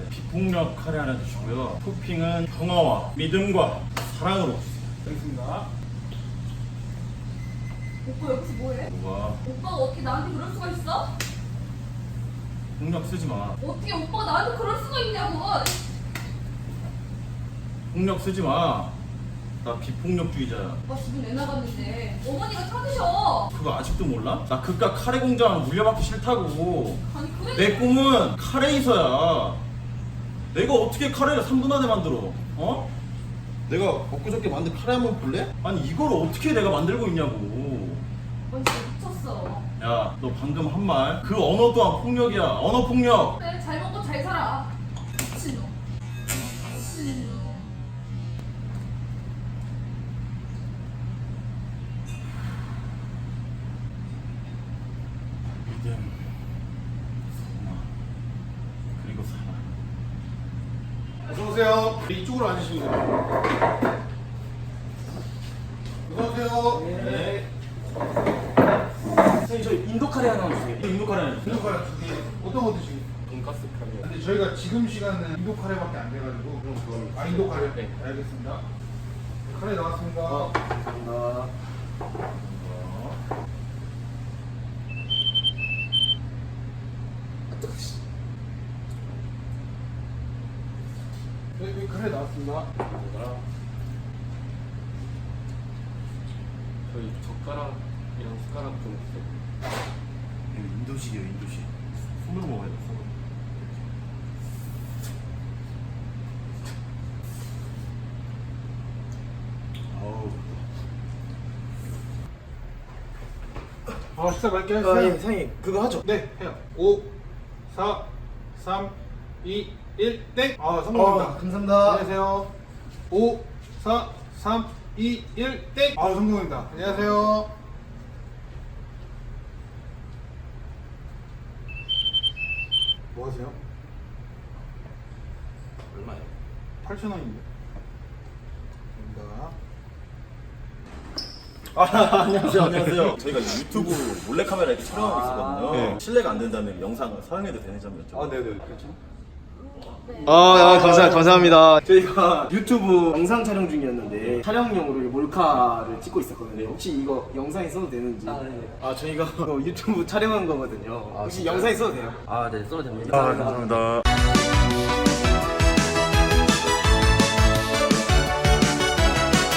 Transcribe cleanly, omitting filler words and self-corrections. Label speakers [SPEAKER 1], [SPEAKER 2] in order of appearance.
[SPEAKER 1] 비폭력 카레 하나 주시고요. 토핑은 평화와 믿음과 사랑으로 주세요.
[SPEAKER 2] 알겠습니다.
[SPEAKER 3] 오빠 여기서 뭐해?
[SPEAKER 1] 뭐가?
[SPEAKER 3] 오빠가 어떻게 나한테 그럴 수가 있어?
[SPEAKER 1] 폭력 쓰지 마.
[SPEAKER 3] 어떻게 오빠가 나한테 그럴 수가 있냐고.
[SPEAKER 1] 폭력 쓰지 마. 나 비폭력주의자야.
[SPEAKER 3] 오빠 집은 왜 나갔는데 어머니가 찾으셔.
[SPEAKER 1] 그거 아직도 몰라? 나 그깟 카레 공장 물려받기 싫다고.
[SPEAKER 3] 아니 그래.
[SPEAKER 1] 내 꿈은 카레이서야. 내가 어떻게 카레를 3분 안에 만들어? 어? 내가 엊그저께 만든 카레 한번 볼래? 아니 이걸 어떻게 내가 만들고 있냐고.
[SPEAKER 3] 넌 진짜 미쳤어.
[SPEAKER 1] 야, 너 방금 한 말 그 언어 또한 폭력이야. 언어 폭력.
[SPEAKER 3] 그래 잘 먹고 잘 살아. 미친놈. 미친놈.
[SPEAKER 1] 믿음, 사랑, 그리고 사랑.
[SPEAKER 2] 어서오세요. 이쪽으로 앉으시면 됩니다. 어서오세요.
[SPEAKER 1] 네.
[SPEAKER 4] 선생님 저 인도 카레 하나 주세요.
[SPEAKER 1] 인도 카레 아니야?
[SPEAKER 2] 인도 카레 두 개. 어떤 거 드시겠어요?
[SPEAKER 4] 돈가스 카레.
[SPEAKER 2] 근데 저희가 지금 시간은 인도 카레밖에 안 돼가지고 그럼 그거 인도 카레?
[SPEAKER 4] 네.
[SPEAKER 2] 알겠습니다. 카레 나왔습니다.
[SPEAKER 4] 감사합니다.
[SPEAKER 2] 네, 여기 카레 나왔습니다.
[SPEAKER 4] 저희 젓가락이랑 숟가락 좀 주세요.
[SPEAKER 1] 이거 인도식이에요, 인도식. 손으로 먹어야 돼, 손으로. 아우.
[SPEAKER 2] 식사 맛있게
[SPEAKER 4] 아,
[SPEAKER 2] 하세요.
[SPEAKER 4] 예, 선생님 그거 하죠.
[SPEAKER 2] 네, 해요. 5, 4, 3, 2, 1, 땡! 성공입니다.
[SPEAKER 4] 감사합니다.
[SPEAKER 2] 안녕하세요. 5, 4, 3, 2, 1, 땡! 성공입니다. 안녕하세요. 뭐 하세요?
[SPEAKER 4] 얼마요?
[SPEAKER 2] 8,000원인데. 감사합니다.
[SPEAKER 1] 안녕하세요, 안녕하세요. 저희가 유튜브 몰래카메라 이렇게 촬영하고 있었거든요.
[SPEAKER 4] 네.
[SPEAKER 1] 실례가 안 된다면 영상을 사용해도 되는 점이었죠.
[SPEAKER 4] 네네. 그렇죠. 감사합니다. 저희가 유튜브 영상 촬영 중이었는데 촬영용으로 이 몰카를 찍고 있었거든요. 혹시 이거 영상에 써도 되는지? 저희가 이거 유튜브 촬영한 거거든요. 혹시 영상에 써도 돼요?
[SPEAKER 5] 네, 써도 됩니다.
[SPEAKER 1] 감사합니다.